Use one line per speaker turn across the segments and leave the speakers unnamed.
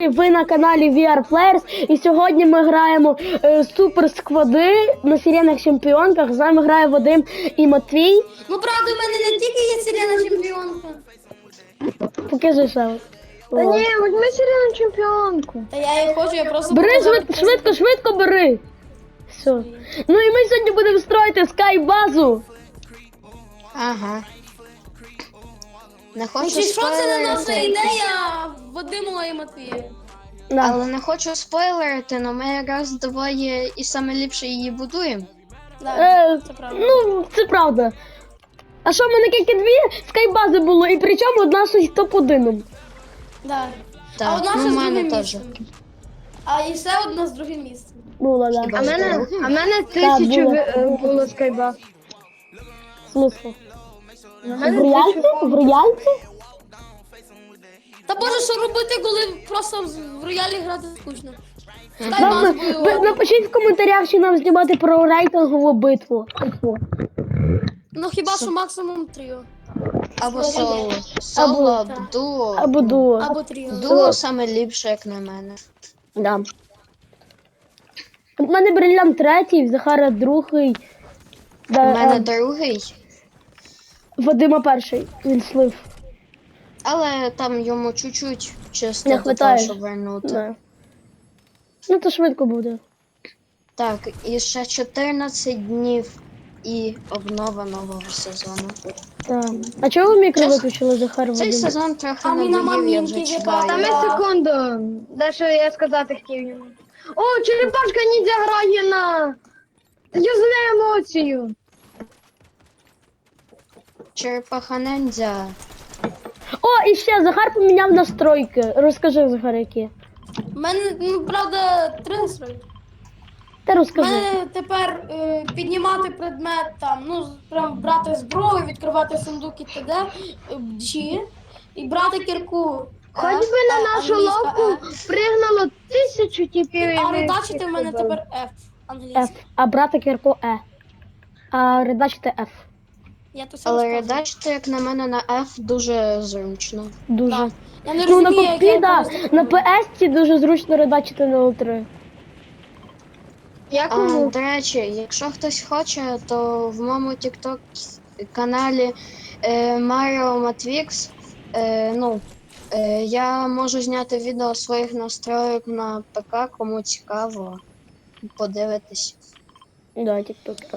Ви на каналі VR Players, і сьогодні ми граємо супер склади на сиренах чемпіонках. З нами грає Вадим і Матвій.
Ну правда, у мене не тільки є сирена чемпіонка.
Покажи ще.
Та ні, візьми сирену чемпіонку.
Та я її хочу, я просто
Бери
показав.
швидко бери. Все. Ну і ми сьогодні будемо строїти скай-базу.
Ага. Не хочу
Чи що це не наша
спойлерити,
ідея Вадимова і Матвія?
Да.
але не хочу спойлерити, але ми якраз двоє і саме ліпше її будуємо.
Да, це правда.
Ну, це правда. А що, в мене тільки дві скай-бази було, і причому одна щось топ-1.
Да.
Так,
А одна
ну,
ще
в
з
мене
другим
теж.
місцем. А і ще одна з другим місцем.
Була, да.
Хіба
А
з
мене,
другим?
а мене тисячу
було.
було скайба.
Смисл?
У
В
мене
реальці? В реальці?
Та боже, що робити, коли просто в роялі грати скучно?
Напишіть в коментарях, чи нам знімати про рейтингову битву.
Ну хіба що максимум тріо.
Або соло. Соло, або дуо.
Або дуо.
Або тріо.
Дуо саме ліпше, як на мене.
Да. У мене бриллиант третій, в Захара другий.
У
Да,
мене другий,
Вадима перший. Він слив.
але там йому чуть-чуть чисто
Не
до
хватає.
того, щоб вернути.
Да. Ну то швидко буде.
Так, і ще 14 днів і обнова нового сезону.
Так. А чого ви мікро
Чесно,
виключили, Захар
Цей
Вадим?
сезон трохи
А ми на
надоїв, я вже
моментів
чекаю.
Та ми секунду. Дещо я сказати хотів йому. О, черепашка ніндзя грає на юзне емоцію.
Черепаха ніндзя.
О, і ще Захар поміняв настройки. Розкажи, Захар, які.
У мене, ну правда, 3 настрої.
Ти
У
розкажи.
мене тепер піднімати предмет, там, ну, прям брати зброю, відкривати сундук і т.д. G, і брати кірку.
Хоч би на нашу ловку пригнало 1000 типів. і
А
ми
редачити
всіх
в мене
побили.
тепер F, англійський.
F. А брати кірку E. А редачити F.
Я то все
Але
розказую.
редачити, як на мене, на F дуже зручно.
Дуже.
Так. Я не
Ну, на
розумію, як
компі,
я
да.
просто
На
роблю.
PS дуже зручно редачити на L3.
Я кому?
До речі, якщо хтось хоче, то в моєму TikTok каналі Mario Matrix, я можу зняти відео своїх настроїк на ПК, кому цікаво, подивитись.
Да, TikTok.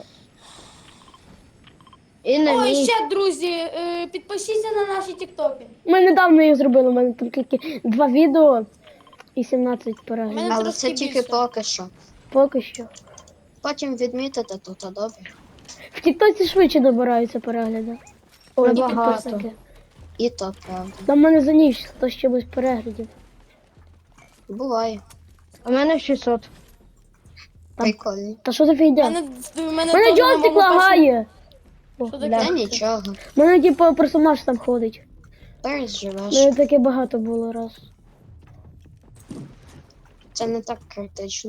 І на
О, і
мій.
ще, друзі, підпишіться на наші тіктоки.
Ми недавно її зробили, у мене там тільки 2 відео і 17 переглядів.
Мене
Але
трошки
це тільки
більше.
поки що.
Поки що.
Потім відмітите, то добре.
В Тіктоці швидше добираються перегляди. Ой,
Набагато.
підписники.
І то правда.
Там в мене за ніч 100 з чимось переглядів.
Буває.
У мене 600.
Прикольно.
Та що за фігня?
Мене
Мене
теж на
джойстик
моєму
лагає. О,
Що таке?
бля.
Та нічого.
Мене типу персонаж там ходить.
Переживеш.
Мене таке багато було раз.
Це не так критично.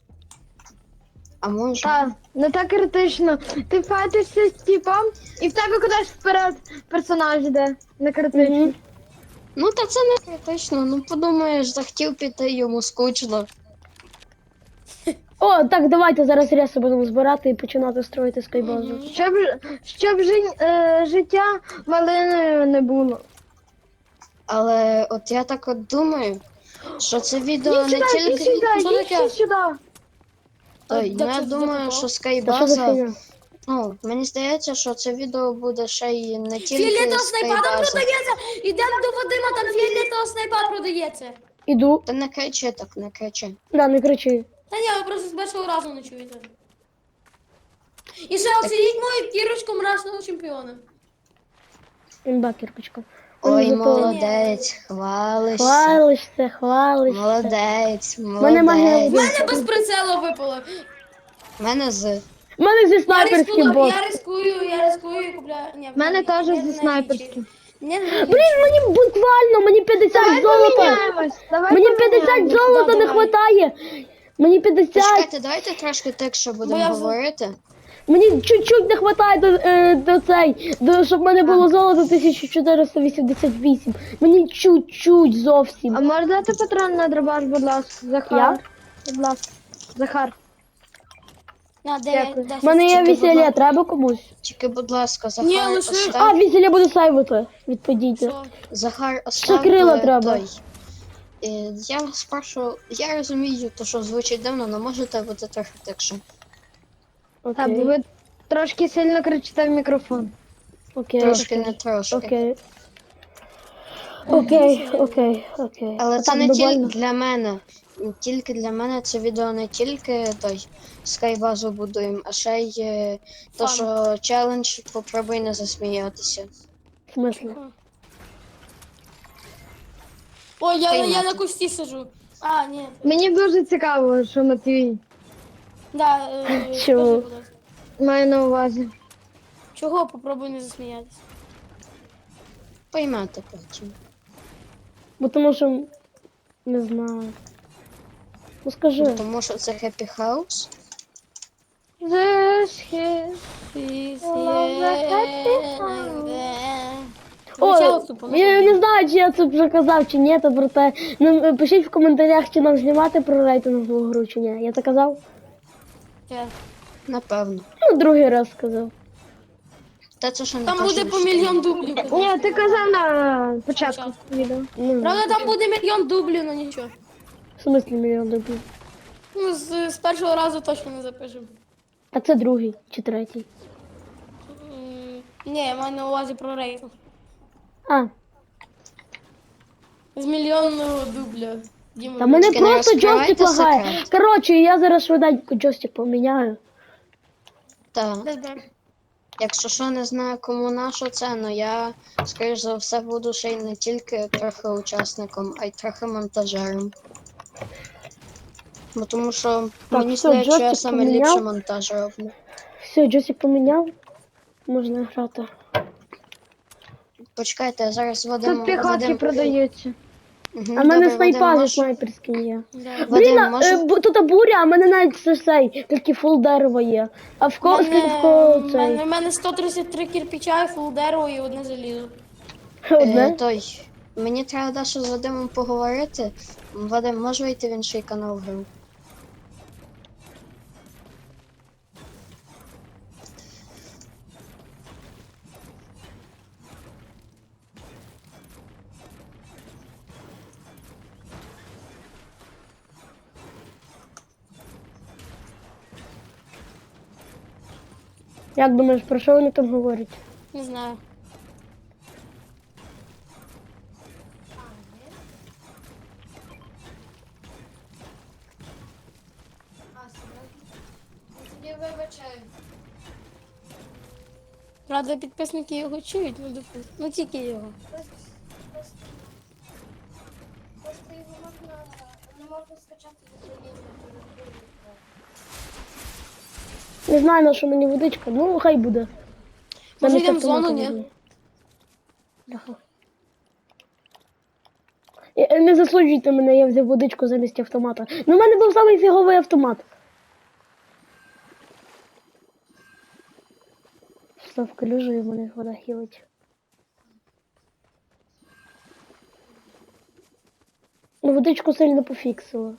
А може?
Та, не так критично. Ти файтишся з типом, і в тебе кудись вперед персонаж йде. Не критично.
Мгм.
Ну та це не критично. Ну подумаєш, захотів піти, йому скучно.
О, так, давайте зараз ряси будемо збирати і починати строїти скайбазу.
Щоб життя малиною не було.
Але от я так от думаю, що це відео
Іди
не
сюди, іди
тільки.
сюди,
Що
іди
таке?
сюди.
Ой,
Де
ну, я
це
думаю,
попав?
що
Та що за
скайбаза.
фігня?
Ну, мені здається, що це відео буде ще й не тільки
Фіолетового снайпа там
скайбаза.
продається! Ідемо до Вадима, там фіолетового снайпа продається.
Іду.
Та не кричи так, не кричи.
Да, не кричи.
Та ні, ви просто з першого разу не чуєте. І ще оцініть мою кірочку мрачного чемпіона.
Імба, кірпочка.
Ой,
Мені зато-
молодець, хвалишся.
Хвалишся.
Молодець,
Мене магія
молодець.
У мене без прицелу випало.
У мене з.
У мене зі снайперським бот.
Я рискую і купляю. Ні,
У мене теж
ні,
зі
ні,
снайперським.
Ні, ні, ні.
Блін, мені буквально, мені 50
Давай
золота.
поміняємось. Давай
Мені 50
поміняємось.
золота не
давай.
хватає. Мені 50.
Почекайте, давайте трошки тихше
Бо
будемо
я
говорити.
Мені чуть-чуть не вистачає до цей, щоб в мене було золото 1488. Мені чуть-чуть зовсім.
А можеш дати патрон на дробаш, будь ласка, Захар?
Я?
Будь ласка. Захар.
На,
Дякую.
10.
В мене є
Чекай, будь
весілля,
ласка.
треба комусь.
Тільки, будь ласка,
Ні,
Захар,
лише-
А,
остав.
весілля буде сейвити. Відповідьте.
Що?
Захар, остав
крила треба.
той. Я вас прошу, я розумію, то що звучить дивно, але можете бути трохи тихше.
Так,
Окей,
ви трошки сильно кричите в мікрофон.
окей,
Трошки, не
окей.
трошки.
Окей. Окей.
Але це
Отак
не тільки
довольно.
для мене. Тільки для мене це відео не тільки той скайбазу будуємо, а ще й то,
Фан.
що челендж попробуй не засміятися.
В смислі?
Ой, я
Приймати.
на кусті сижу. А, ні.
Мені дуже цікаво, що Матвій
Да,
Чого?
скажи, будь ласка.
має на увазі.
Чого попробуй не засміятися?
Поймете потім.
Бо тому що не знаю. Ну скажи.
Тому що це Happy House.
This is-
О, я не знаю, чи я це вже казав, чи ні, то проте. Ну, пишіть в коментарях, чи нам знімати про рейтингову гру, чи ні. Я це казав?
Напевно.
Ну, другий раз сказав.
Та це що не
Там
те,
буде
що
по
ви
мільйон дублів.
Ні, ти казав на початку відео.
Ну,
Правда, там буде мільйон дублів, ну нічого.
в смислі мільйон рублів.
Ну, з першого разу точно не запишемо.
А це другий чи третій.
Ні, я маю на увазі про рейтинг.
А,
З мільйонного дубля. Діма,
та в мене
Тільки не
просто
розкривайте
джойстик лагає.
секрет.
Коротше, я зараз швиденько джойстик поміняю.
Так.
де?
Якщо що не знаю, кому на що це, ну я, скоріш за все, буду ще й не тільки трохи учасником, а й трохи монтажером. Бо тому що
Так,
мені
все,
здається, що я
джойстик
саме
поміняв.
ліпше монтаж роблю.
Все, джойстик поміняв. Можна грати.
Почекайте, я зараз Вадим...
Тут піхотки продаються.
Мгм,
А в мене
добре,
снайпа
Вадим,
за
можеш-
снайперський є.
Да.
Блін,
Вадим, може...
тут буря, а в мене навіть цей, тільки фул дерева є. А в кого цей?
У мене 133 кирпича, і фул дерево і одне залізо.
Одне?
Той, мені треба дещо з Вадимом поговорити. Вадим, може вийти в інший канал гру?
Як думаєш, про що вони там говорять?
Не знаю. Правда, підписники його чують, ну допустим. Ну тільки його.
Не знаю, на що мені водичка, ну хай буде.
Може,
Замість
йдемо в
автомата
зону, ні?
візьму. Ага. Не засуджуйте мене, я взяв водичку замість автомата. Ну, в мене був самий фіговий автомат. Став калюжу і в мене вода хілить. Ну, водичку сильно пофіксила.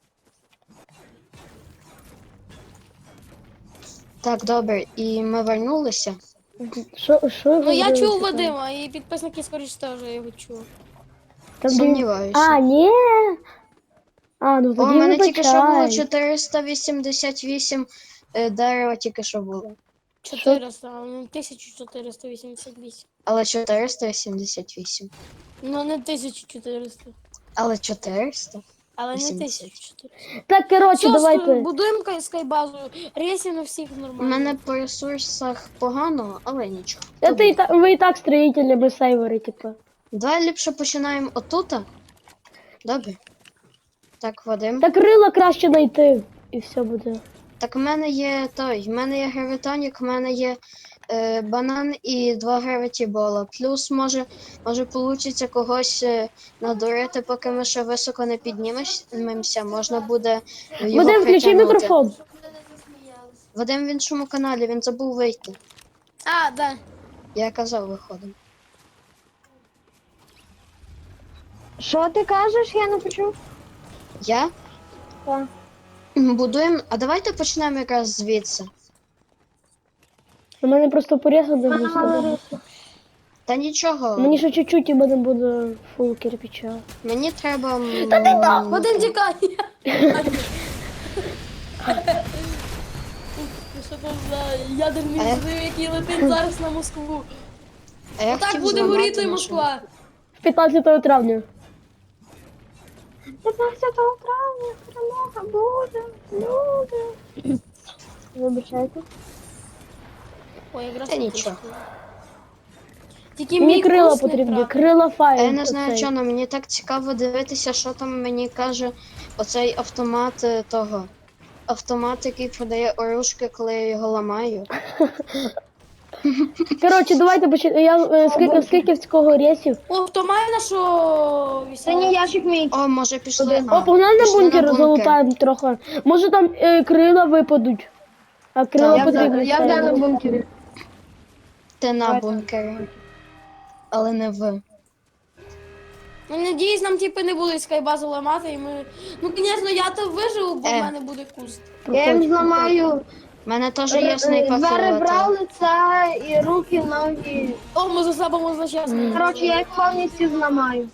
Так, добре, і ми вернулися.
Що
Ну я
говорили,
чув
що
Вадима, і підписники скоріш теж його чули.
там?
Сумніваюся.
А, ні. А, ну
О,
тоді
у мене тільки що було
вибачай.
488 дерева, тільки що було.
400, а не 1488.
Але 488.
Ну не 1400.
Але 400?
Але не
80.
1400.
Так, коротше,
Все,
давайте.
будуємо скайбазу, рейсів у всіх
У
нормально.
мене по ресурсах погано, але нічого.
Ви і так строїтелі, ми сейвери, типу.
Давай ліпше починаємо отута. Добре. Так, Вадим.
Так крила краще знайти, і все буде.
Так, в мене є той, в мене є гравітонік, в мене є банан і 2 гравітібола. Плюс може получиться когось надурити, поки ми ще високо не піднімемося. Можна буде його
Вадим, включи
притягнути.
мікрофон.
Вадим в іншому каналі, він забув вийти.
А, да.
Я казав, виходимо.
Що ти кажеш? Я не почув.
Я?
Так.
Будуємо. А давайте почнемо якраз звідси.
У мене просто порізати
Мене мало
буде.
рису.
Та нічого.
Мені ще чуть-чуть і мене буде фул кирпича.
Мені треба.
Вадим тікає. Що там за ядерний
А я-
взрив, який летить зараз на Москву?
А я
Так
хотів
буде
зламати
горіти
машину.
Москва.
15 травня.
15 травня перемога буде. Люди. Вибачайте.
Ой, якраз
Та нічого.
Тільки
Мені
мій
крила
курс не
потрібні,
прав.
крила
А
файл.
я не знаю, чого, але мені так цікаво дивитися, що там мені каже оцей автомат того. Автомат, який продає оружки, коли я його ламаю.
Коротше, давайте почнемо. Скільки в цього рейсів?
О, хто має нашу
Це не ящик мій.
О, може пішли.
О, погнали на
пішли
бункер, залутаємо трохи. Може там крила випадуть. А крила
Так,
потрібні.
Я вже на бункері.
Ти на
Давайте.
бункері. Але не ви.
Ну, надіюсь, нам типи не будуть скайбазу ламати, і ми. Ну, звісно, я то виживу, бо в мене буде куст.
Я їм зламаю
У мене теж є снайпа
два ребра,
фіолетова.
лице і руки, ноги.
О, ми заслабимо значасно.
Коротше, я їх повністю зламаю.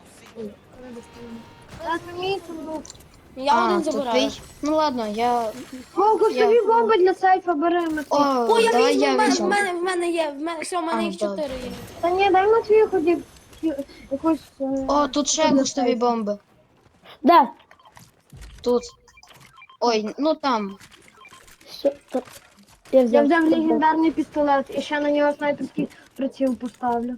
Це мій сундук.
Я один забираю.
тупий. Ну ладно, я.
О, кустові
Я-
бомби для сейфа бери, Матвій.
О, я
давай
візьму,
я
в мене,
візьму.
в мене є, все, в мене
А,
їх
добре.
4 є.
Та ні, дай Матвію ході якусь...
О, тут ще густові бомби.
Да.
Тут. Ой, ну там.
Все, я
Я
взяв.
взяв легендарний пістолет і ще на нього снайперський приціл поставлю.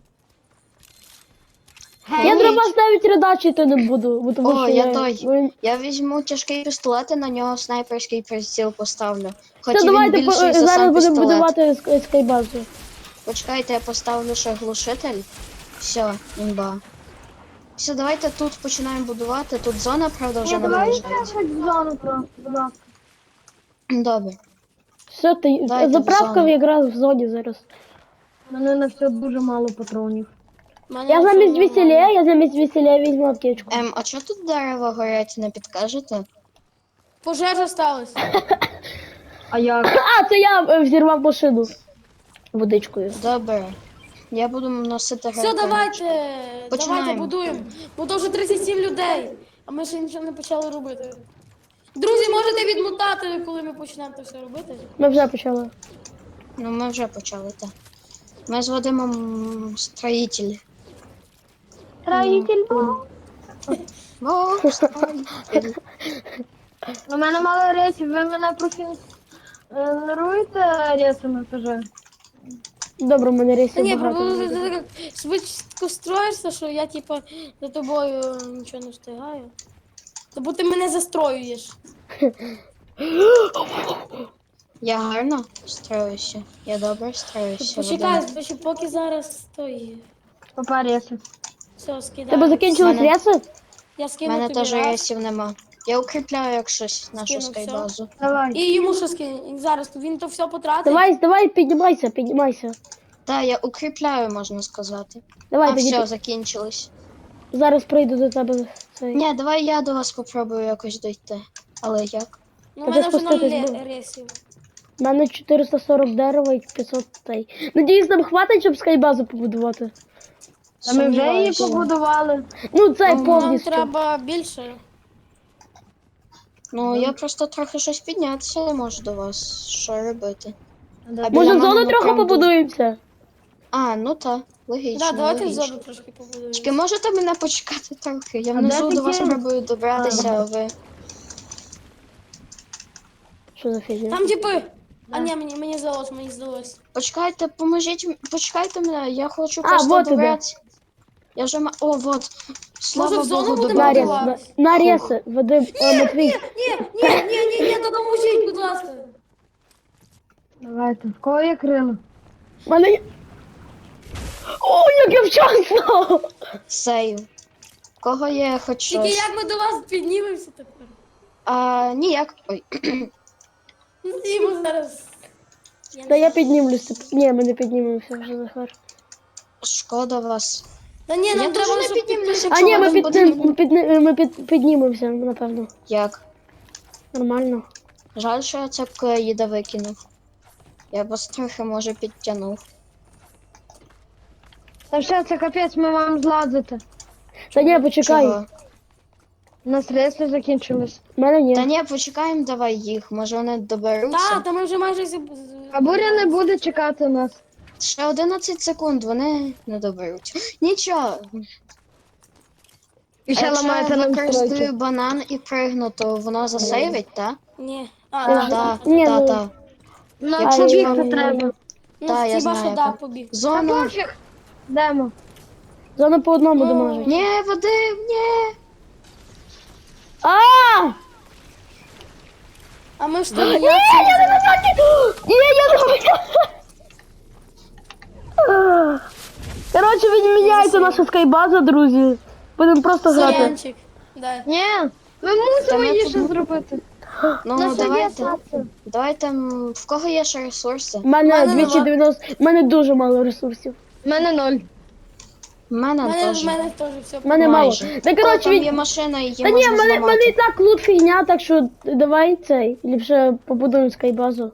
Я треба навіть редачити не буду, бо тому
О,
що
я той. Я візьму тяжкий пістолет і на нього снайперський приціл поставлю. Хоч
Все,
і він
давайте
більший за
зараз
сам
будемо
пістолет.
будувати скайбазу.
Почекайте, я поставлю ще глушитель. Все, імба. Все, давайте тут починаємо будувати. Тут зона, правда, вже
Ні, давай я
наближається.
хоч в зону просто, будь ласка.
Добре.
Все, ти
Дайте в
заправка
зону.
якраз в зоні зараз.
У мене на все дуже мало патронів.
В мене
Я
все
замість
нормально.
весілля візьму аптечку.
А чого тут дерева горять, не підкажете?
Пожежа сталася.
А як?
А, це я взірвав машину водичкою.
Добре. Я буду носити
Все,
гранату.
давайте,
Починаємо.
давайте будуємо. Бо то вже 37 людей, а ми ще нічого не почали робити. Друзі, можете відмотати, коли ми почнемо це все робити.
Ми вже почали.
Ну, ми вже почали, так. Ми з Вадимом строїтель.
Строїтель був.
О, строїтель.
У мене мало рейсів, ви мене профінеруєте рейсами теж?
Добре, в мене
Та
рейсів
ні,
багато.
ти так швидко строїшся, що я типа за тобою нічого не встигаю. Та бо ти мене застроюєш.
Я гарно строюся. Я добре строюся.
Почекай,
Вадим.
ще поки зараз той.
Попа рейсів.
Все, скидаю.
Тебе закінчились
Мене-
рейси?
Я
У
скину
мене
тобі
теж
раз.
рейсів нема. Я укріпляю як щось нашу
Скину
скайбазу.
Давай.
І йому що скину. Зараз він то все потратить.
Давай, піднімайся.
Так, я укріпляю, можна сказати.
Давай,
А
тоді
все, закінчилось.
зараз прийду до тебе. Цей.
Ні, давай я до вас попробую якось дойти. Але як?
Ну,
Та
в мене
ти
вже 0
спуститись був.
рейсів.
У мене 440 дерева і 500 тей. Надіюсь, нам хватить, щоб скайбазу побудувати.
А ми вже її
Сумніваюся.
побудували.
Ну, це
Нам
повністю.
треба більше.
Ну, я просто трохи щось піднятися не можу до вас. Що робити? А біля
Може, в
мене,
зону трохи
направду-
побудуємося?
А, ну так, логічно.
Так, давайте в
логічно.
зону трошки побудуємо.
Тільки можете мене почекати трохи? Я
А
внизу
де
до вас
таке?
спробую добратися, а ви.
Що за фігня?
Там типи. А ні, мені здалось.
Почекайте, почекайте мене, я хочу
А,
просто
вот іде.
добратися. Я вже О, вот. Слава
Може, в зону
Богу,
будемо
На рейс,
будувати?
на рейси, Вадим, Матвій.
Ні, то допоможіть, будь ласка.
Давайте. В кого є крила?
В мене є... О, як я вчасно!
Сейв. Кого є хоч
Тільки
щось?
як ми до вас піднімемося тепер?
Ніяк. Ой.
Ну, Діма зараз.
Та я піднімлюся. Ні, ми не піднімемося вже, Захар.
Шкода вас.
Та ні,
Я
нам
теж
треба,
не
щоб
піднімлюся,
А
якщо
ні,
у
ми,
вас
під,
буде...
піднімемося, напевно.
Як?
Нормально.
Жаль, що я цепку їда викинув. Я б вас трохи, може, підтягнув.
Та все, це капець, ми вам зладити.
Та ні, почекай.
Чого?
У нас средства закінчились.
В мене ні.
Та ні, почекаємо давай їх, може вони доберуться.
Та ми вже майже
А буря не буде чекати нас.
Ще 11 секунд, вони не доберуться. Нічого.
І
А
ще
якщо я
ламається нам
використаю
стройки.
банан і пригну, то воно засейвить, так?
Ні.
Так,
Ні, ну-
так.
Нам
Якщо
побігти
вам-
треба.
Ну,
Та, я
хіба що
знаю,
да,
так.
побіг.
Та
Зона.
пофіг. Йдемо.
Зона по одному
Ну.
домажить.
Ні, Вадим, ні.
А!
А ми ж
Ні,
там
я не на зоні! Ні, я не Коротше, відміняється наша скайбаза, друзі. Будемо просто грати.
Янчик. Дай.
Ні, ми мусимо
Та ми
її
тут-
ще зробити.
Ну,
Нас є
давайте.
сенси.
Давайте, в кого є ще ресурси?
У мене
Мене
290, в мене дуже мало ресурсів.
У мене 0.
В мене
В
теж.
мене теж все.
В мене мало.
Майже.
Та коротше,
Там є
від...
машина, її
Та ні,
можна
в мене і
зламати.
так лут фігня, так що давай цей. Ліпше побудуємо скайбазу.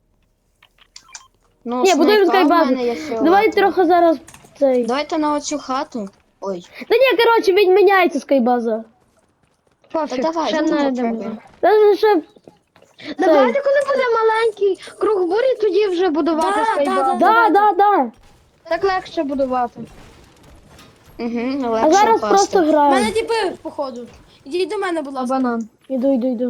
Ну,
Ні, будуємо
снайпа в
скайбазу.
мене є фіолетова.
Давай трохи зараз цей.
Давайте на оцю хату. Ой,
Та ні, коротше, відміняється скайбаза.
Пофіг,
давай,
ще
ну,
знайдемо.
попробуємо.
Та ще
Давайте, коли буде маленький круг бурі, тоді вже будувати
Да,
скайбазу.
Да.
Так легше будувати.
Угу,
А
легше
зараз
впасти.
просто
У
граємо.
мене тіпи, походу. Ідіть до мене, будь
А
ласка.
банан.
Іду.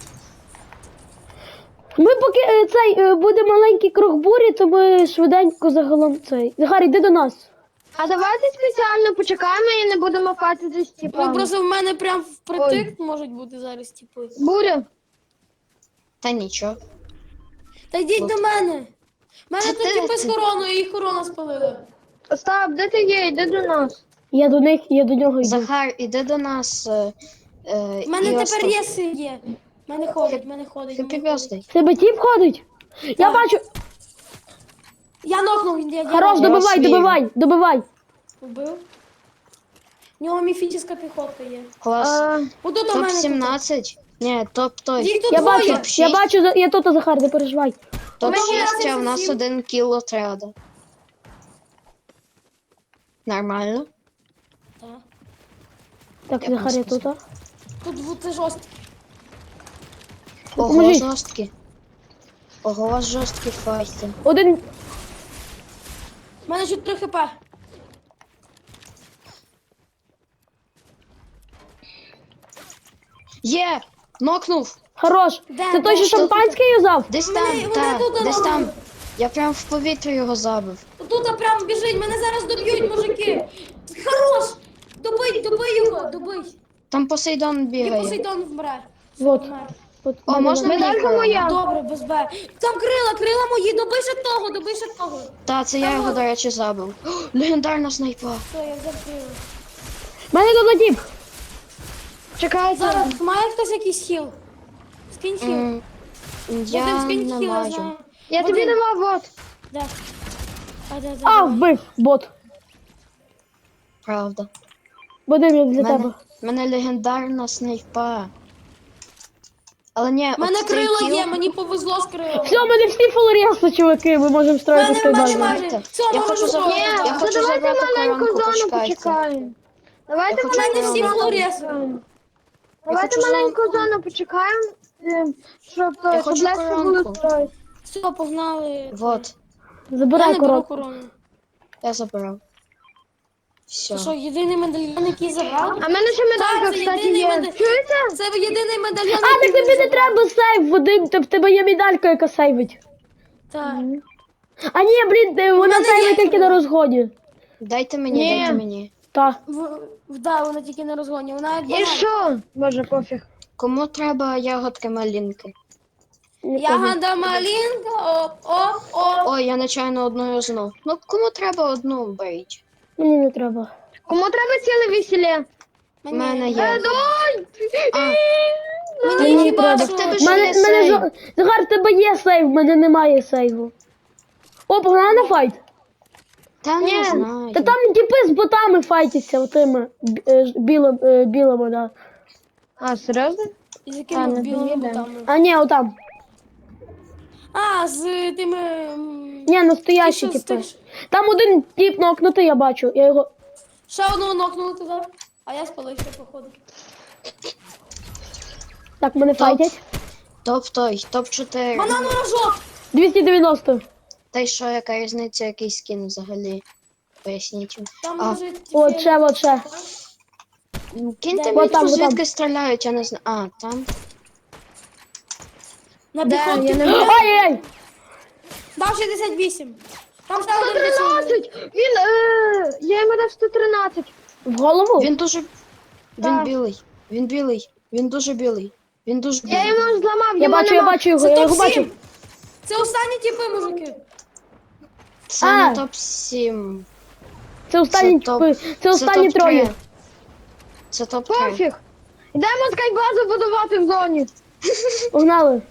Ми поки буде маленький круг бурі, то ми швиденько загалом цей. Захар, йди до нас.
А давайте спеціально почекаємо і не будемо фатити з
Ну
тіпами.
просто в мене прям впритик можуть бути зараз тіпи.
Буря.
Та нічого.
Та йдіть до мене. У мене
Та
тут
ти-
тіпи з короною, їх корона спалила.
Остап, де ти є? Йди до нас.
Я до них, я до нього йду.
Захар, іди до нас.
У мене тепер єси є. В мене ходить, в мене ходить. в
Хеппі
мене ходить.
бёздей.
В тебе тіп ходить? Я
Так.
бачу.
Я нокнув, я
Хорош,
Я вас
добивай.
Вбив. У нього міфічна піхотка є.
Клас.
Отут у
Топ
мене.
17. Ні, топ той.
Їх тут
Я
двоє.
бачу,
Топ-6.
я тут, Захар, не переживай.
Топ
мене
6, а в нас
27.
1 кіл отряду. Нормально.
Так.
Так,
Я
Захар, я
просто
тут.
Тут це жорстко.
Ого,
Поможіть.
жорсткі. Ого, у вас жорсткі файти.
Один.
У мене ще 3 хп.
Є! Нокнув!
Хорош.
Де,
Це той,
де?
що шампанське юзав?
Десь
Вони-
там,
вони
так,
тут
десь
давали.
там. Я прям в повітря його забив.
Тут прям біжить, мене зараз доб'ють, мужики. Хорош! Добий його, добий.
Там Посейдон
І
бігає.
Посейдон вмре.
Вот.
Вмер.
От
О,
мене
можна
на-
мені
Медалька
корону?
моя.
Добре, без Б. Там крила мої, добий ще того.
Та, це я його, до речі, забив. О, легендарна снайпа.
Все, я взяв крила.
Мене тут тіп.
Чекайте.
Зараз, має хтось якийсь хіл? Скинь хіл.
Я
Вадим, скинь
не
хіл, я
маю.
знаю.
Я тобі
Вадим.
нема, вот.
Де? Де.
А, вбив, бот.
Правда.
Вадим, я для
Мене,
тебе.
мене легендарна снайпа. Але ні,
У мене
от цей
крила
кіл-
є, мені повезло з крилами.
Все, ми не всі фулрєсли, чуваки, ми можемо строїти
Мене
скайбазу.
майже.
Давайте.
Все,
Я
можу
хочу
строїти.
забрати-
Ні,
я хочу
давайте
забрати
маленьку
коронку,
зону
почекайте.
почекаємо. Давайте
Я хочу
маленьку
мене всі
зону
флоріси.
почекаємо. Давайте
хочу
маленьку зону почекаємо, щоб
Я хочу
легше було
коронку.
строїти.
Все, погнали.
Вот,
Я
Забирай
не беру
коробку.
корону.
я забрав. Все.
Це що, єдиний медальйон, який забрав?
А в мене ще медалька,
Так, це
кстати,
єдиний
є.
медаль-
Чуєте?
Це єдиний медальйон,
А, так
який
тобі не
забрав.
треба сейв, Вадим, в тебе є медалька, яка сейвить.
Так.
А ні, блін, вона
мене
сейвить
є
тільки на розгоні.
Дайте мені,
Ні.
дайте мені.
Та.
Да, вона тільки на розгоні. Вона як
І
банан.
що? Боже, пофіг.
Кому треба ягодки малинки?
Ягода малинка, оп.
Ой, я нечайно одну юзнув. Ну, кому треба одну беріть?
Мені не треба.
Кому треба ціле весілля?
У мене
Мені.
є.
Дай!
А,
Мені хіба
треба.
що-
В тебе
В
ж
мене,
є
в мене
сейв.
Захар, в тебе є сейв, в мене немає сейву. О, погнали на файт.
Та
Ні.
не знаю.
Та там типи з ботами файтяться, отими білими, да.
А, серйозно?
З
А,
якими
не
білими
знаю, да.
ботами?
А ні, отам.
А, з тими...
Ні, настоящі
ті, що з
типи.
тих-
Там один тип нокнутий, я бачу. Я його.
Ще одного нокнули туди, а я спалився, походу.
Так, мене файтять.
Топ-4.
Банан рожок!
290.
Та й що, яка різниця, який скін взагалі? Поясніть.
Там
А.
лежить...
От ще, от ще.
Киньте
Де?
мені,
От там, от там.
звідки стріляють, я не знаю. А, там.
На
Де?
піхоті.
Я не
Ай-яй!
Дав 68. Там ще один працює.
113! Він, я йому дав 113.
В голову?
Він дуже. Він
Так.
білий. Він білий. Він дуже білий. Він дуже білий.
Я йому зламав,
Я
його
бачу, я
нема.
бачу його,
Це
я його бачу.
топ-7. Це останні типи, мужики.
Це
А.
не топ-7.
Це останні
Це топ-
типи. Це останні
топ-3.
троє.
Це топ-3.
Пофіг. Йдемо скайбазу будувати в зоні.
Погнали.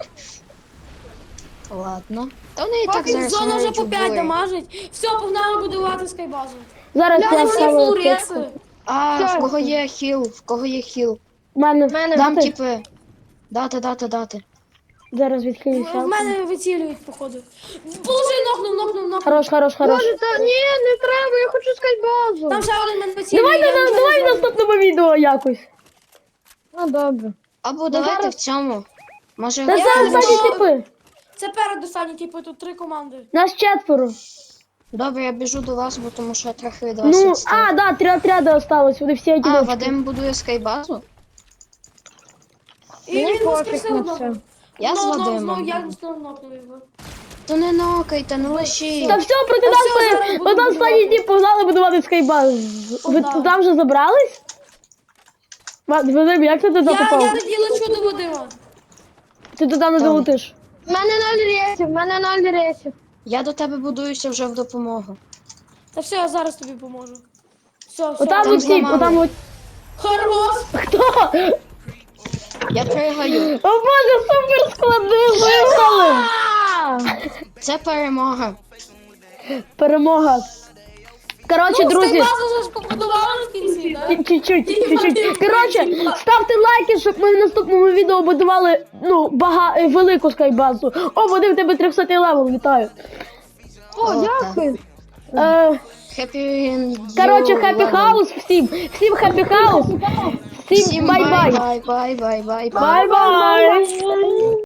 Ладно. Та вони і так
Поки
зараз
зона вже
грають
по
у
5
бой.
дамажить. Все, погнали будувати скайбазу.
Зараз
Там
я
всі
ставлю
фул
аптечку.
реси.
А,
Все.
в кого є хіл? В кого є хіл?
В мене.
Мене.
Там
Дати?
типи. Дати.
Зараз відхилюся.
В мене вицілюють, походу. Положи, нокнув.
Хорош.
Боже, та ні, не треба, я хочу скайбазу.
Там ще один мене вицілює.
Давай,
я нічого
давай в
не знаю.
наступному відео якось.
Ну, добре.
Або давайте
зараз-
в цьому. Може,
Та
Я
це
не
останні
знаю.
типи.
Це перед останні типи, тут 3 команди.
Нас 4.
Добре, я біжу до вас, бо тому що я трохи від вас
Ну,
відстав.
а, да, 3 отряди осталось, вони всі
А,
одиночки.
Вадим будує скайбазу?
І
Мені
він
пофіг
воскресив
на
одного.
це.
Я з Вадимом.
Знову я знову нокнув його.
То не нокайте, не лишіть.
Та все, проти
Та
нас
все, зараз
стоїть.
буду
От останні
будувати.
дні погнали будувати скайбаз. Ви
Погнали.
туди вже забрались? Вадим, як ти туди
Я
попав?
тоді лечу до Вадима.
Ти туди не долетиш.
В мене 0 рейсів.
Я до тебе будуюся вже в допомогу.
Та все, я зараз тобі поможу. Все.
Отам
там
от тип,
зламали.
отам от.
Хорош!
Хто?
Я пригаю.
О боже, супер склади виграли!
Це перемога.
Перемога. Коротше, друзі,
Скайбазу вже ж побудували в кінці, так?
чуть-чуть. Коротше, ставте лайки, щоб ми в наступному відео будували, велику скайбазу. О, Вадим, в тебе 300 левел, вітаю.
О, дякую.
Happy
Коротше, хеппі хаус всім. Всім хеппі хаус. Всім
Всім
бай-бай.
бай-бай.
Бай-бай.